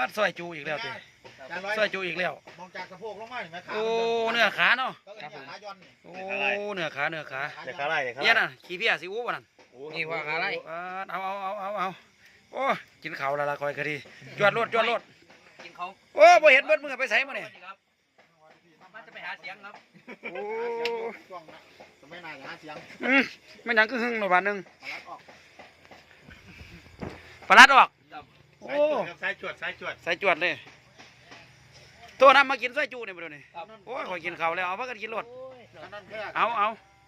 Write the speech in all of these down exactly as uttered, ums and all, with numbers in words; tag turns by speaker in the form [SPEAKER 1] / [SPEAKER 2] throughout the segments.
[SPEAKER 1] ซอยจูอีกแล้วติซอยจูอีกแล้ว
[SPEAKER 2] มองจากสะโพกลงมาเห็นไหมขา
[SPEAKER 1] โอ้เนื้อขาเนาะ
[SPEAKER 2] ขาย้อน
[SPEAKER 1] โอ้เนื้อขาเนื้อขา
[SPEAKER 3] เดี๋ยวขาไล่เดี๋ยวขา
[SPEAKER 1] เย็
[SPEAKER 3] ไล่
[SPEAKER 1] นน่ะขี้เพี้ยสิอู้บ่นั่น
[SPEAKER 4] นี่ว่าอะไร
[SPEAKER 1] เอาเอาเอาเอาเอาโอ้กินข้าวและละคอยก็ดีจวดรถจวดรถ
[SPEAKER 4] กินเขา
[SPEAKER 1] โอ้บ่เห็นเบิดมือไปใส่มาเนี่ย
[SPEAKER 4] มันจะไปหาเสียงครับ
[SPEAKER 1] โอ้
[SPEAKER 2] ช่วงนะสมัยนายหาเสียง
[SPEAKER 1] อืมไม่หยังก็หึงหน่อยบาทหนึง
[SPEAKER 2] มาลัดออก
[SPEAKER 1] ปลาลัดออกโอ้
[SPEAKER 3] สายจวดสายจวด
[SPEAKER 1] ใส่จวดเลยตัวน้ำมากินซอยจูเนี่ยบ่เดี๋ยวนี้โอ้ยคอยกินข้าวแล้วเอาพักกันกินรถ
[SPEAKER 2] นั่นแค่
[SPEAKER 1] เอาเอา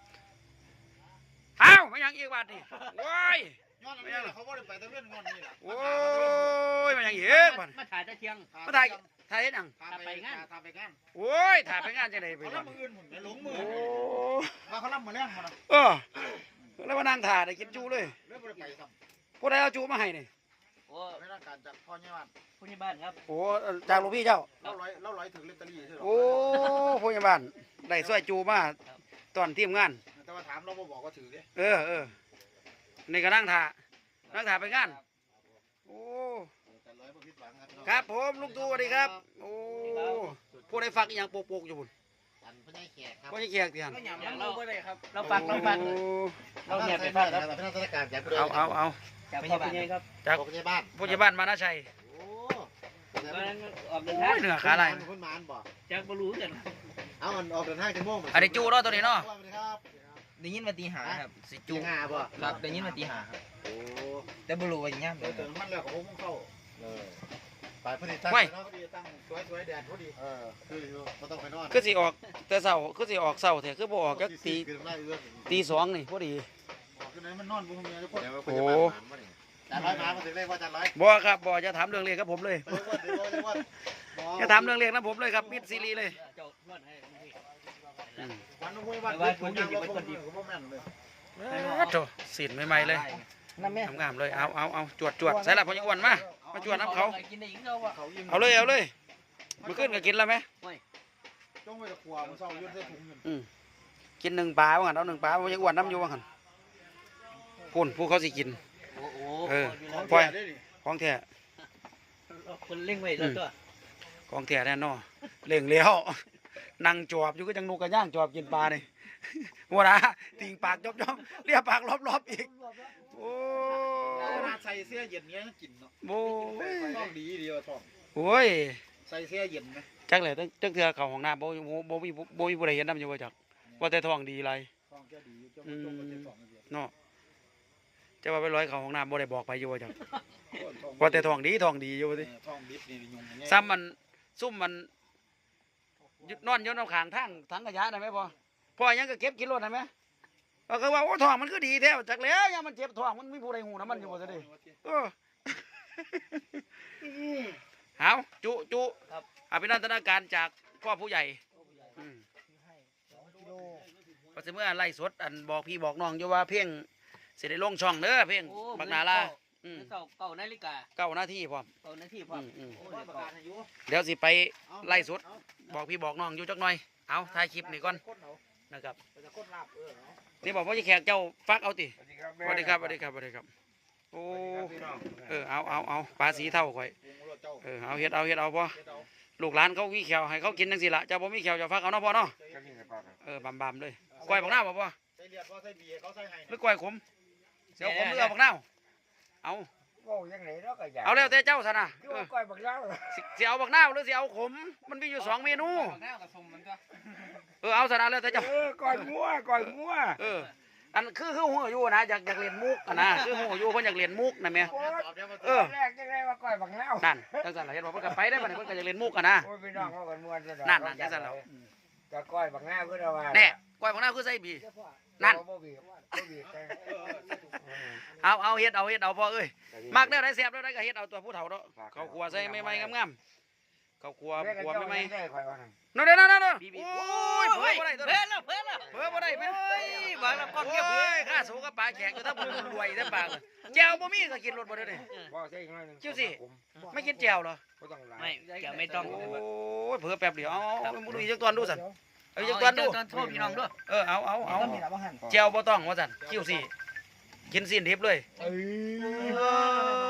[SPEAKER 1] เอาไม่หยังอีกบาทนี่โอ้ย
[SPEAKER 2] ย้อนนี่เขาบ่ได้ไปตะเวนงอนนี่แหละ
[SPEAKER 1] โอ้ยไม่หยังอีกบาท
[SPEAKER 4] มาถ่ายตะเทียง
[SPEAKER 1] มาถ่ายถ่ายเฮ็ดหยัง
[SPEAKER 2] ทำไปงานทำไปงาน
[SPEAKER 1] โอ้ยถ่ายไปงานจังได๋ไป
[SPEAKER 2] เขา
[SPEAKER 1] บา
[SPEAKER 2] ล่ำ
[SPEAKER 1] ด
[SPEAKER 2] มืออื่นหมุนหลงมือ
[SPEAKER 1] โอ้
[SPEAKER 2] ว่าเขาล่ำมือแรงมานะ
[SPEAKER 1] เออแล้วมานั่งถ่ายได้กินจูเลย
[SPEAKER 2] เรื่องบ่ได้ไปซ้
[SPEAKER 1] ผู้ใดเอาจูมาให้นี่
[SPEAKER 4] โอ้
[SPEAKER 2] ำไม่ต้องการจากพ่อเนี่ยบ้าน
[SPEAKER 4] ผู้ใหญ่บ้านครับ
[SPEAKER 1] โอ้จากหลวงพี่เจ้า
[SPEAKER 2] เล่าร้อยเล่าร้อยถึงเลตเตอรี่ใช่หรอ
[SPEAKER 1] โอ้ผู้ใหญ่บ้านได้ซอยจูมาตอนทีมงาน
[SPEAKER 2] แต่ว่าถามเราบ่บอกว่าถือเด้
[SPEAKER 1] เออเออนี่ก็นั่งถ่านั่งถ่าไปงานโอ้
[SPEAKER 2] แต่ร้อยบ่ผิดหวังครับ
[SPEAKER 1] ครับผมลุงตู่สวัสดีครับโอ้ผู้ใดฟักอหย่างโปกๆอยู่บุญ
[SPEAKER 2] อันพญาแขกครับ
[SPEAKER 1] ก็จะแขกเตียน
[SPEAKER 4] ก็หยำเราไปเลยครับ เราฟังเราฟัง
[SPEAKER 1] โอ้
[SPEAKER 4] เราเนี่ยไปฟังครับ
[SPEAKER 2] เป็นราชการจาก
[SPEAKER 1] เอาเอาเอา
[SPEAKER 4] จากพ่อเป็นไงครับ
[SPEAKER 1] จาก
[SPEAKER 2] พญาบ้าน
[SPEAKER 1] ผู้ใหญ่บ้านมานาชัย
[SPEAKER 2] โอ้
[SPEAKER 4] ตอนนั้นออกเดิน
[SPEAKER 1] โอ้
[SPEAKER 4] ทาง
[SPEAKER 1] ยเหนือขาลาย
[SPEAKER 2] คนมานบ่
[SPEAKER 4] จากบรูกัน
[SPEAKER 2] เอามันออกเดินทางจะม่วง
[SPEAKER 1] อันนี้จูเนาะตัวนี้เนาะ
[SPEAKER 2] สวัสดีครับ
[SPEAKER 4] ได้ยินมาตีหาครับ
[SPEAKER 1] สิ
[SPEAKER 2] จู
[SPEAKER 1] จู
[SPEAKER 2] งาบ่
[SPEAKER 4] ครับได้ยินมาตีหาครับ
[SPEAKER 2] โอ้
[SPEAKER 4] แต่บรูว่าอย่างเงี้ย
[SPEAKER 2] เติมมันแล้วก็พุ่งเข้าเออไปพอดีตั้งเนาะพอดีตั้งสวยสวยแดดพอดีเออคือไม่ต้องไปนอน
[SPEAKER 1] คือสิออกแต่เช้าคือสิออกเช้าแท้คือบ่ออกจักตี
[SPEAKER 2] คือไล่เอื้อ
[SPEAKER 1] ตีสองนี่พอดี
[SPEAKER 2] ออกคือไหนมันนอนบุ้งเมียทุกคน
[SPEAKER 1] โอ้
[SPEAKER 2] จานร้อยมามาถึงเลขว่าจานร้อย
[SPEAKER 1] บ่ครับบ่จะถามเรื่องเลขกับผมเลย
[SPEAKER 2] เดี๋ยวว่าเดี๋ยวว่าเดี๋ยวว่า
[SPEAKER 1] จะถามเรื่องเลขนะผมเลยครับมิดซีรีส์เลย
[SPEAKER 4] เจ้าล้วนให้
[SPEAKER 1] อืม
[SPEAKER 2] วันนู้นวันถุงยางเราคนดีผมบ่แม่นเลย
[SPEAKER 1] โอ้โหสินใหม่ๆเลย
[SPEAKER 4] นั่นแม่
[SPEAKER 1] งามๆเลยเอาเอาเอาจวดจวดใส่ละพอยังอ้วนมามาจวดน้ำเขา
[SPEAKER 4] กินได้ยิงเขาว่ะ
[SPEAKER 2] เขายิ้ม
[SPEAKER 1] เอาเลยเอาเลยมาขึ้นก็กินแล้วไหม
[SPEAKER 2] ต้องไปตะขวามันเศร้ายืดเส้นถุงเงิน
[SPEAKER 1] อืมกินหนึ่งปลาว่างั้นเอาหนึ่งปลาพอยังอ้วนน้ำอยู่ว่างั้นพุ่นผู้เขาสิกิน
[SPEAKER 4] โอ้โห
[SPEAKER 1] เออ
[SPEAKER 2] ปล่อยได้ดิ
[SPEAKER 1] ของแท้
[SPEAKER 4] คนเล่งไว้แล้วตัว
[SPEAKER 1] ของแท้แน่นอนเล่งแล้วนั่งจอบอยู่ก็จังนูกกระย่างจอบกินปลานี่หัวนะติ่งปากจอบจอบเรียกปากรอบๆอีกโอ้
[SPEAKER 2] ขนาดใส่เสื้อเย็นเนี้ยกินเนาะ
[SPEAKER 1] โอ้ย
[SPEAKER 2] ท้องดีดีว่าท้อง
[SPEAKER 1] โอ้ย
[SPEAKER 2] ใส่เสื้อเย็นไหม
[SPEAKER 1] จักเลยตั้งจักเทือเข้าห้องน้ำบ่บ่บ่มีบ่มีผู้ใดเห็นน้ำอยู่ว่าจักว่าแต่ท้องดีไร
[SPEAKER 2] ท้องแค่ดีเจ้าจงมันจะท้องเดียว
[SPEAKER 1] เนาะจะว่าไปร้อยเข้าห้องน้ำบ่ได้บอกไปอยู่ว่าจักว่าแต่ท้องดีท้องดีอยู่ว่าติ
[SPEAKER 2] ท้องดิบนี่ยุง
[SPEAKER 1] ซ้ำมันซุ่มมันยึดนอนอยู่น้ำข้างทางถังขยะได้ไหมพ่อพ่อยังก็เก็บกินรถได้ไหมก็คือว่าโอ้ท้องมันคือดีแท้จักแล้วยังมันเจ็บท้องมันมีผู้ใดหูน้ำมันอยู่ว่าซะดิเออเอาจุจุอภินันทนาการจากพ่อผู้ใหญ่อืมก็จะเมื่อไล่สดอันบอกพี่บอกน้องอยู่ว่าเพ่งเสด็จลงช่องเด้อเพ่งบักนาลาอืม
[SPEAKER 4] เก่าเก่านาฬิกา
[SPEAKER 1] เก้านาทีพร้อม
[SPEAKER 4] เก่านาทีพร้อม
[SPEAKER 1] อืม
[SPEAKER 4] โอ้
[SPEAKER 2] ว่าย ประกาศอายุ
[SPEAKER 1] เดี๋ยวสิไปไล่สดบอกพี่บอกน้องอยู่จักหน่อยเอาถ่ายคลิปนี่ก่อนนะครับ
[SPEAKER 2] จะคนลาบเออ
[SPEAKER 1] นี่บอกว่าจะแขกเจ้าฟักเอาติสวัสดีครับสวัสดีครับสวัสดีครับโอ้เออเอาเอาเอาปลาสีเท่าข่อยเออเอาเฮ็ดเอาเฮ็ดเอาพ่อลูกหลานเขามีแขวให้เขากินจังสิละเจ้าบ่มีแขวเจ้าฟักเอาเนาะพ่อเนาะเออบำบำเลยก้อยบักหน้าวบ่พ่อ
[SPEAKER 2] ใส่เลือดว่าใส่เบียร์เขาใส่ไห้
[SPEAKER 1] หรือก้อยขมเสียวขมหรือเอาบักหน้าวเอา
[SPEAKER 5] โอ้ยังไงเนาะก็อยาก
[SPEAKER 1] เอาแล้วแต่เจ้าซะนะ
[SPEAKER 5] คือ
[SPEAKER 1] เออ
[SPEAKER 5] ว่าก้อยบักเล่า
[SPEAKER 1] สิสิเอาบักหน้าวหรือสิเอาขมมันมีอยู่สองเมนู
[SPEAKER 4] หน้ากับสมมันก็
[SPEAKER 1] เออเอาซะนะแล้วแต่เจ้า
[SPEAKER 5] เออก้อยงัวก้อยงัว
[SPEAKER 1] เอออันคือคือหัวอยู่นะอยากอยากเรียนมุกอะนะคือหัวอยู่เพิ่นอยากเรียนมุกนะแม่
[SPEAKER 5] โอ้ย
[SPEAKER 1] เออ
[SPEAKER 5] แรกจังไดว่าก้อยบักเล่า
[SPEAKER 1] นั่นจังซั่นล่ะเห็นบ่เพิ่นก็ไปได้บัดนี้เพิ่นก็อยากเรียนมุกอะนะ
[SPEAKER 5] โอ้ยพี่น้องเขากันม่วนซะดอก
[SPEAKER 1] นั่นนั่นจังซั่นแล้ว
[SPEAKER 5] ก็ก้อยบักเล่าคือว่า
[SPEAKER 1] แน่ก้อยบักหน้าวคือใส่บีนั่น
[SPEAKER 5] บ่บีบบ่บีบแต่
[SPEAKER 1] เอาเอาเฮ็ดเอาเฮ็ดเอาพ่อเอ้ยมักแนวใดแซ่บแนวใดก็เฮ็ดเอาตัวผู้เฒ่าเนาะข้าวคั่วใส่ใหม่ๆงามๆข้าวคั่วคั่วใหม่
[SPEAKER 5] ได้ข่อยว่านั่น
[SPEAKER 1] ๆนั่นเด้อนั่นนั่น
[SPEAKER 4] บีบี
[SPEAKER 1] โอ้ยเผลอบ่ได้ตัว
[SPEAKER 4] เพื่
[SPEAKER 1] นี้
[SPEAKER 4] อนแล้วเพื่อนแล้ว
[SPEAKER 1] เผลอบ่ได้แม่
[SPEAKER 4] เฮ้ยบางแล้วก้อนเก็บ
[SPEAKER 1] โอ้ยข้าสูงกับปลาแขกอยู่ถ้าบ่รวยซะปากแจ่วบ่มีก็กินรสบ่ได้นี่
[SPEAKER 5] บ่ใช่อีกหน่อยหนึง
[SPEAKER 1] จิ้วสิ ไม่กินแจ่วเหรอ
[SPEAKER 5] บ่ต้องหลาย
[SPEAKER 4] ไม่แกไม่ต้อง
[SPEAKER 1] โอ้ยเผลอแป๊บเดียวเอาเอามึงดูอีกจักตอนดูสั่นเอาอีก
[SPEAKER 4] เอา
[SPEAKER 1] จักตอนดู
[SPEAKER 4] ตอนโทษพี่น้องด้วย
[SPEAKER 1] เออเอาเอาเอาแจ่วบ่ต้องว่าสั่นคิ้วสิกินสิ้นดิบเลย
[SPEAKER 5] เอ้ย
[SPEAKER 1] เอ้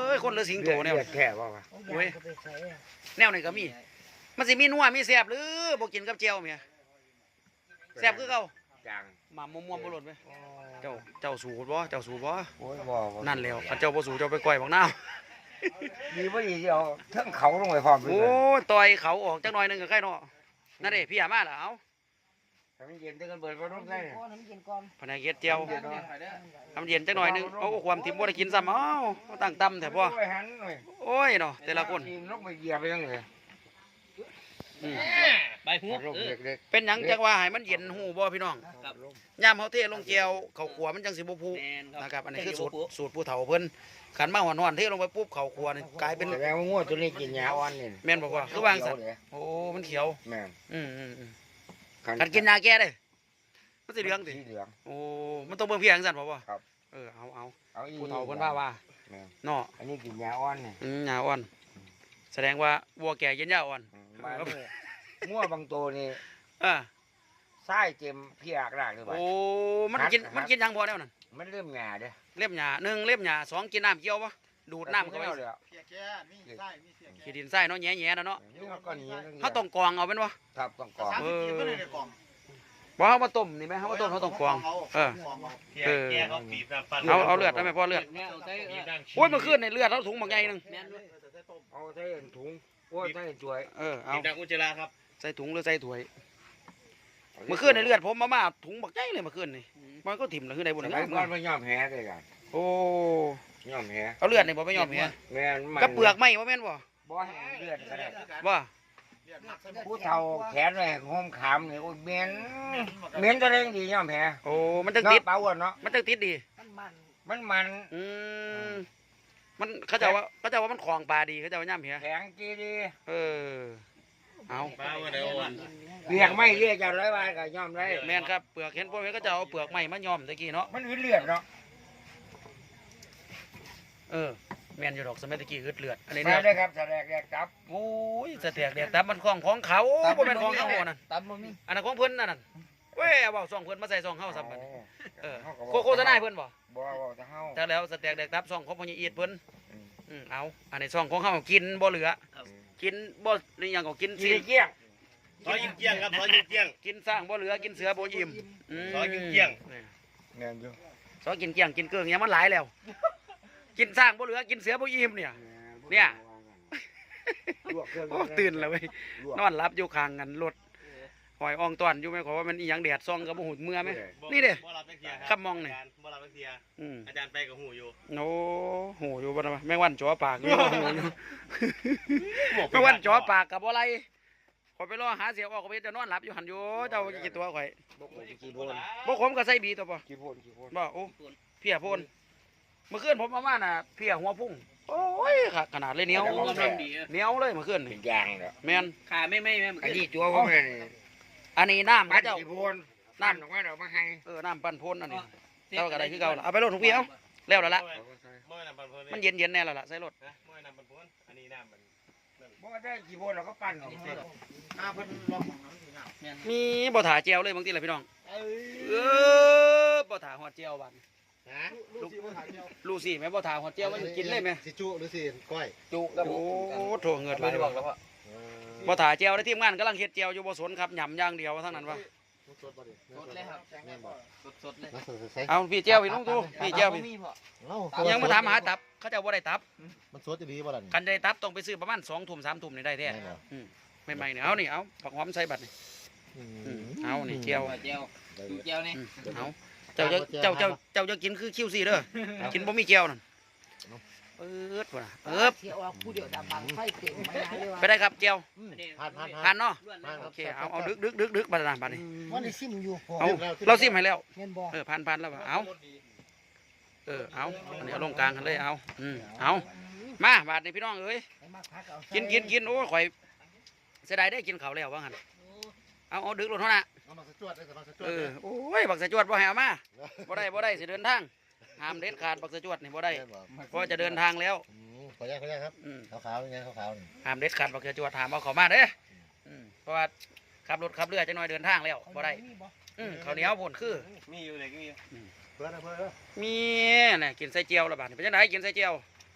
[SPEAKER 1] ยคนหรือสิงโตแนว
[SPEAKER 5] เลือดแค่ว่าวะ
[SPEAKER 1] เว้ยแนวนี้ก็มีมันสิมีนัวมีแซ่บหรือบ่กินกับเจียวเมียแซ่บคือเก่า
[SPEAKER 5] จาง
[SPEAKER 1] หมาม่วงๆบ่หล่นไปเจ้าเจ้าสูตรบ่เจ้าสูตรบ่
[SPEAKER 5] โอ้ยบ่บ่
[SPEAKER 1] นั่นแล้วคันเจ้าบ่สูตรเจ้าไปก้อยบักนาว
[SPEAKER 5] ดีบ่ดีเอาเทั้งเขาลงไปพร้อมด้
[SPEAKER 1] โอ้
[SPEAKER 5] วย
[SPEAKER 1] ต่อยเขาออกจักหน่อยหนึงก็ใครเนาะนั่นเด้พี่หามาล่ะเอ้า
[SPEAKER 5] ถ้ามันเย็นได้กันเบิดบ่ต้องได้
[SPEAKER 1] พนักเฮ็ดเจียวทำเย็นจักหน่อยหนึงเอาความทิมบ่ได้กินซ้ำเอ้ามาตั้งตำแท้บ่
[SPEAKER 5] โอ้ยหันหน่อย
[SPEAKER 1] โอ้ยเนาะแต่ละคน
[SPEAKER 5] ทีมลงไปเหยียบไปจังเลย
[SPEAKER 1] อืม
[SPEAKER 4] ใบหู
[SPEAKER 5] ลง
[SPEAKER 4] เออ
[SPEAKER 5] เด็ก
[SPEAKER 1] เป็นหยังจังว่าให้มันเย็นหูบ่พี่น้อง
[SPEAKER 4] ครับ
[SPEAKER 1] ยามเฮาเทลงเจียวข้าวขัวมันจังสิบ่พุ
[SPEAKER 4] แม่นครับ
[SPEAKER 1] นะครับอันนี้คือสูตรสูตรผู้เฒ่าเพิ่นขันมาหอนๆเทลงไปปุ๊บข้าวขัวนี่กลายเป็น
[SPEAKER 5] แสดงว่างัวตัวนี้กินหญ้าอ่อนนี่
[SPEAKER 1] แม่นบ่ว่าคือวางซั่น
[SPEAKER 5] เขียวเลย
[SPEAKER 1] โอ้มันเขียว
[SPEAKER 5] แม่น
[SPEAKER 1] อืมอืมอืมคันกินยาแก้ได้มันสิเหลืองติ
[SPEAKER 5] สีเหลือง
[SPEAKER 1] โอ้มันต้องเบิ่งเพียงซั่นบ่บ่
[SPEAKER 5] ครับ
[SPEAKER 1] เออเอาเอา
[SPEAKER 5] เอาอี
[SPEAKER 1] ผู้เฒ่าเพิ่นว่าว่า
[SPEAKER 5] แม่น
[SPEAKER 1] เนาะ
[SPEAKER 5] อันนี้กินหญ้าอ่อนนี่
[SPEAKER 1] อืมหญ้าอ่อน แสดงว่าวัวแก่กินหญ้าอ่อน
[SPEAKER 5] มาเนี่ยงัวบางตัวนี่
[SPEAKER 1] อ่า
[SPEAKER 5] ไส้เต็มเพียกรากเลยบ่
[SPEAKER 1] โอ้มันกินมันกินหยังบ่แนวนั้น
[SPEAKER 5] มันเริ่มหญ้าเด้อ
[SPEAKER 1] เล็บหญ้าหนึ่งเล็บหญ้าสองกินน้ำเกี่ยวบ่ดูดน้ำเข้าไป
[SPEAKER 5] แล้วเด้อ
[SPEAKER 2] เพียแก่มีไส้มีเสียแก่
[SPEAKER 1] ขี้ดินทรายเนาะแหย่ๆนะเนาะ
[SPEAKER 5] นี่เขาก็หนี
[SPEAKER 1] เฮาต้องกรองเอาเป็นบ่
[SPEAKER 5] ครับต้องกรอง
[SPEAKER 2] สามสิบกินก็เลยในกล่อง
[SPEAKER 1] บ่เฮามาต้มนี่ไหมเฮามาต้มเฮาต้องกรองเออ เออ เอาเอาเลือดได้ไหมพ่อเลือด
[SPEAKER 4] เนี่ยเอาใส่เออ
[SPEAKER 1] โอ้ยเมื่อคืนในเลือดเราถุงบางใหญ่หนึง
[SPEAKER 4] แม่นด้วย
[SPEAKER 5] เอาใส่ถุงโอ้ยใส่ถ้วย
[SPEAKER 1] เออเอา
[SPEAKER 3] ดังอุจจาระครับ
[SPEAKER 1] ใส่ถุงหรือใส่ถ้วยเมื่อคืนในเลือดผมมามาถุงบักใหญ่เลยเมื่อคืนนี่มันก็ถิ่มแล้วคือได้บุญ
[SPEAKER 5] ส
[SPEAKER 1] นะ
[SPEAKER 5] มัยก่อนมันยอมแพ้เลยกัน
[SPEAKER 1] โอ้
[SPEAKER 5] ยอมแพ้
[SPEAKER 1] เอาเลือดนี่บ่ไปยอมเหีย
[SPEAKER 5] แม่นมัน
[SPEAKER 1] กับเปลือกไหมบ่แม่นบ่
[SPEAKER 5] บ่ให้เลือดก็ได้
[SPEAKER 1] ว่า
[SPEAKER 5] ผู้เฒ่าแขนไว้ห้มขามนี่โอ้ยเหม็นเหม็นตัวเองดียอมแพ้
[SPEAKER 1] โอ้มันจัง
[SPEAKER 5] เนาะ
[SPEAKER 1] ติด
[SPEAKER 5] เปล่าอ่ะเนาะ
[SPEAKER 1] มันจังติดดี
[SPEAKER 5] มันมัน
[SPEAKER 1] อืมมันเขาเจะว่าเขาเจะว่ามันของปลาดีเขาเจะว่าย่ำเหีย
[SPEAKER 5] แข็งจีดี
[SPEAKER 1] เออเอา
[SPEAKER 3] มาวันเดียววัน
[SPEAKER 5] เรียกไม่เรียกจะร้อยบาทก็ยอมได้
[SPEAKER 1] แม่นครับเปลือกเห็นพวกนี้ก็จะเอาเปลือกไม้มาย้อมตะกี้เนาะ
[SPEAKER 5] มันอืดเลือดเนาะ
[SPEAKER 1] เออแม่นอยู่ดอกสมัยตะกี้อึดเลือดอันนี้
[SPEAKER 5] มา
[SPEAKER 1] เนี่ย
[SPEAKER 5] ได้ครับแสดงแยกจับ
[SPEAKER 1] โอ้ยสะเตียกเดียกตับมันของของเขาบ่เป็นของเขาบ่นั่น
[SPEAKER 4] ตับบ่มี
[SPEAKER 1] อันนั้นของเพิ่นนั่นน่ะเว้ยเอาเว้าซองเพิ่นมาใส่ซองเฮาซ้ำบัดนี้เออ
[SPEAKER 5] ขาก็
[SPEAKER 1] โคโฆษณาให้เพิ่นบ่
[SPEAKER 5] บ่บ่จะเฮา
[SPEAKER 1] แต่แล้วสเต็กแดกตับซองของพ่อใหญ่อีดเพิ่น
[SPEAKER 5] อืม
[SPEAKER 1] อืมเอาอันนี้ซองของเฮากินบ่เหลือ กินบ่นี่หยังก็กิน
[SPEAKER 5] กิ
[SPEAKER 1] สิ
[SPEAKER 5] นเกี้ยง
[SPEAKER 3] ซอยกินเกี้ยงครับซอยกินเกี้ยง
[SPEAKER 1] กินสร้างบ่เหลือกินเสือบ่อิ่มอืม
[SPEAKER 3] ซอยกินเกี้ยง
[SPEAKER 1] นี่
[SPEAKER 5] แม่นอยู่
[SPEAKER 1] ซอยกินเกี้ยงกินเกลืองหยังมันหลายแล้ว กินสร้างบ่เหลือกินเสือบ่อิ่มเนี่ย เนี่ย
[SPEAKER 5] ลวกเครื่อง
[SPEAKER 1] โอ้ตื่นแล้วเว้ยนอนหลับอยู่ข้างกันรถหอยอ่องตอนอยู่ไหมขอว่ามันอีหยังแดดซองกับบ่หูเมื่อไหม นี่เด้
[SPEAKER 3] บ่รับไปเทีย
[SPEAKER 1] ครับมองนี่
[SPEAKER 3] าจารย์บ่รับไปเทีย
[SPEAKER 1] อืม
[SPEAKER 3] อาจารย์ไปกับหูอยู่
[SPEAKER 1] โอ้โหอยู่บ่นะแม่งวันจ่อปากอยู่หูอยู่ แม่งวันจ่อปากกับบ่ไรข่อยไปรอหาเสียออกก็ไปจะนอนหลับอยู่หันอยู่เจ้ากี่ตัวข่อย
[SPEAKER 5] บ่ขมกี่โพน
[SPEAKER 1] บ่ขมก็ใส่บีตัวบ่
[SPEAKER 5] กี่โพนกี่โพน
[SPEAKER 1] บ่โอ้เพียโพนเมื่อคืนผมมามาน่ะเพียหัวพุ่งโอ้ยค่ะขนาดเลยเหนียว
[SPEAKER 4] โอ้กำลังดีเออ
[SPEAKER 1] เหนียวเลยเมื่อคืน
[SPEAKER 5] เป็
[SPEAKER 1] นี่
[SPEAKER 5] นยางเนาะ
[SPEAKER 1] แม่น
[SPEAKER 4] ขาไม่ไม่แม่น
[SPEAKER 5] อันนี้จัวผมเลยนี่
[SPEAKER 1] อันนี้น้ำ
[SPEAKER 5] ปั้
[SPEAKER 1] เขา
[SPEAKER 5] น
[SPEAKER 1] เจ้า
[SPEAKER 5] กี่โพนน้ำออกมาเดี๋ยวมาให้
[SPEAKER 1] เออน้ำปั่นพ่นอันนี้เจ้าก็ได้คือเก่าล่ะเอาไปรถทุกพี่เอาแล้วแล้วละ
[SPEAKER 3] เมื่อน้ำปันพ้น
[SPEAKER 1] มันเย็นเย็นๆแน่แล้วล่ะใส่รถ
[SPEAKER 3] นะเมื่อน้ำปันพ้นอันนี้น้ำมัน
[SPEAKER 5] บ่ได้กี่โพนเราก็ปั้นออกมา
[SPEAKER 2] หน้าเพิ่นลองของน้ำสิงาม
[SPEAKER 1] มีบ่ถาเจียวเลยบางทีล่ะพี่น้อง
[SPEAKER 2] เอ้ย
[SPEAKER 1] เออบ่ถาหอดเจียวบัด
[SPEAKER 2] ฮะลูกสิบ่ถ่ายเดียว
[SPEAKER 1] ลูซี่แม่บ่ถาหอดเจียวมันกินเลยแม่
[SPEAKER 2] สิจุหรือสิก้อย
[SPEAKER 5] จุกับ
[SPEAKER 1] โอ้โถเงิดหลายว่ะบ่ถาเจียวได้ทีมงานกำลังเฮ็ดเจียวอยู่บ่สนครับหย่ำอย่างเดียวทั้งนั้นวะ
[SPEAKER 2] สดบ่ดิ
[SPEAKER 4] สดเลยครับ
[SPEAKER 2] แม่นบ่
[SPEAKER 4] สดๆเลย
[SPEAKER 2] มาสดใส่
[SPEAKER 1] เอาพี่เจียวพี่น้องดูพี่เจียวพี่
[SPEAKER 4] มีพอ
[SPEAKER 2] เอ้า
[SPEAKER 1] ยังมาถามหาตับเขาเจะบ่ได้ตับ
[SPEAKER 2] มันสดจะดีบ่ล่ะนี่
[SPEAKER 1] คันได้ตับต้องไปซื้อประมาณสองทุ่มสามทุ่มนี่ได้แท้
[SPEAKER 2] แม่นบ่
[SPEAKER 1] อืมใหม่ๆนี่เอานี่เอาผักหอมใส่บัดนี่
[SPEAKER 2] อื
[SPEAKER 1] อืม
[SPEAKER 2] ม
[SPEAKER 1] เอานี่เจียว
[SPEAKER 4] เจียวเจียวนี่
[SPEAKER 1] อืมเอาเจ้าจะเจ้าเจ้าเจ้าจะกินคือคิวซี่เด้อกินบ่มีเจียวนั่นเอิดว่ะเอิบ
[SPEAKER 6] เสียออกผู้เดียวดับบังไฟเก่งมาเลยว่า
[SPEAKER 1] ไปได้ครับเจียว
[SPEAKER 2] ผ่านผ่าน
[SPEAKER 1] ผ่านเนาะ
[SPEAKER 2] ผ่าน
[SPEAKER 1] โอเคเอาเอาดึกดึกดึกดึกบัดนะบัดนี้
[SPEAKER 6] วันนี้ซิมอยู่พอ
[SPEAKER 1] เอาเราซิมให้แล้ว
[SPEAKER 6] เงินบ่
[SPEAKER 1] เออผ่านผ่านแล้วว่ะเอาเออเอาอันนี้เอาลงกลางกันเลยเอาอืมเอามาบาดนี้พี่น้องเอ้ย
[SPEAKER 6] ให้มาพักเอา
[SPEAKER 1] กินกินกินโอ้ยข่อยเสียดายได้กินข้าวแล้วว่างั้นเอาเอาดึกลงเท่านั้น
[SPEAKER 2] เอามาสจวดได้สมาสจวด
[SPEAKER 1] เออโอ้ยบักสะจวดบ่ให้เอามาบ่ได้บ่ได้สิเดินทางห้ามเด็ดขาดบักสะจวดนี่บ่ได้
[SPEAKER 2] แม่นบ่
[SPEAKER 1] เพราะจะเดินทางแล้ว
[SPEAKER 2] อืมขออนุญาตขออนุญาตครับ
[SPEAKER 1] อืม
[SPEAKER 2] ขาวๆยังไงขาวๆนี่
[SPEAKER 1] ห้ามเด็ดขาดบักสะจวดถามเอาเข้ามาเด้ออืมเพราะว่าขับรถขับเรือจังน้อยเดินทางแล้วบ่ได้อืมข้าวเหนียวพุ่นคือ
[SPEAKER 3] มีอยู่เลยก็มี
[SPEAKER 2] เพื่อนนะเพื่อนเด้อ
[SPEAKER 1] มีน่ะกินใส่เจียวละบาดนี่เป็นจังไดกินใส่เจียว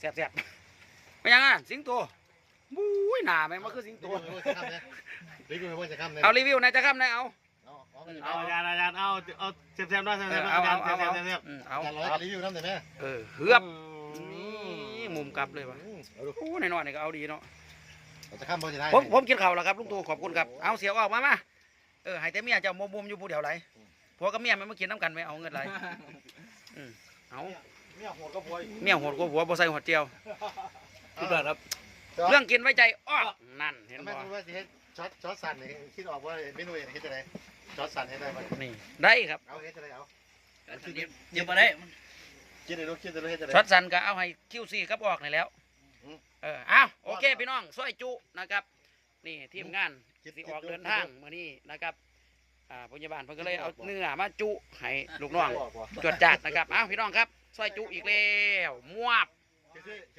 [SPEAKER 1] แซ่บๆไม่ยังอ่ะสิงโตบุ้ยหนาไหมมันคือสิงโต
[SPEAKER 2] รีวิวว่าจะข้ามเลย
[SPEAKER 1] เอารีวิวหนายจะข้ามนายเอา
[SPEAKER 3] เอาอาจารย์อาจารย์เอาเอาเซฟเซฟด้วยเซฟ
[SPEAKER 1] เอ
[SPEAKER 3] เซ
[SPEAKER 1] อ
[SPEAKER 3] ฟ
[SPEAKER 1] เอา
[SPEAKER 3] อาจา
[SPEAKER 1] เอา
[SPEAKER 3] รย์เซ
[SPEAKER 1] เอา
[SPEAKER 3] ฟเซ
[SPEAKER 1] เอา
[SPEAKER 3] ฟเซฟ
[SPEAKER 1] อืมเอา
[SPEAKER 2] อาจารย์ร้อยรีวิวน้ำได้ไหม
[SPEAKER 1] เออเฮือบนี่มุมกลับเลยวะโอ้หน่อยๆนี่ก็เอาดีเนาะ
[SPEAKER 2] จะข้ามพอจะได้
[SPEAKER 1] ผมผมกินข้าวแล้วครับลุงตู่ขอบคุณครับเอาเสียวออกมามาเออให้แต่เมียเจ้ามุมมุมอยู่ผู้เดียวไรผัวกับเมียมันมากินน้ำกันไหมเอาเงินไรอืมเอา
[SPEAKER 2] เมียหัวก็พวย
[SPEAKER 1] เมียโหดกว่าผัวบ่ใส่หัวเจียว
[SPEAKER 4] พี่บอลครับ
[SPEAKER 1] เรื่องกินไว้ใจอ้อนั่นเห็น
[SPEAKER 2] แม่
[SPEAKER 1] บ่
[SPEAKER 2] รู้ว่าสิเฮ็ดช็อตช็อตสั่นนี่คิดออกว่าเมนูเฮ็ดจะไหนช็อตสั่นให้ได้ไหม
[SPEAKER 1] นี่ได้ครับ
[SPEAKER 2] เอาเฮ็ดจะไหนเอา
[SPEAKER 4] เดี๋ยวมาได้
[SPEAKER 2] คิดได้รู้คิดได้รู้เฮ็ดจะไหน
[SPEAKER 1] ช็อตสันก็เอาให้คิวซีครับออกนี่แล้วเออเอาโอเคพี่น้องซอยจุนะครับนี่ทีมงานสิออกเดินทางมื้อนี้นะครับอ่าพยาบาลเพิ่นก็เลยเอาเนื้อมาจุให้ลูกน้องจวดจัดนะครับเอาพี่น้องครับซอยจุอีกแล้วมวบ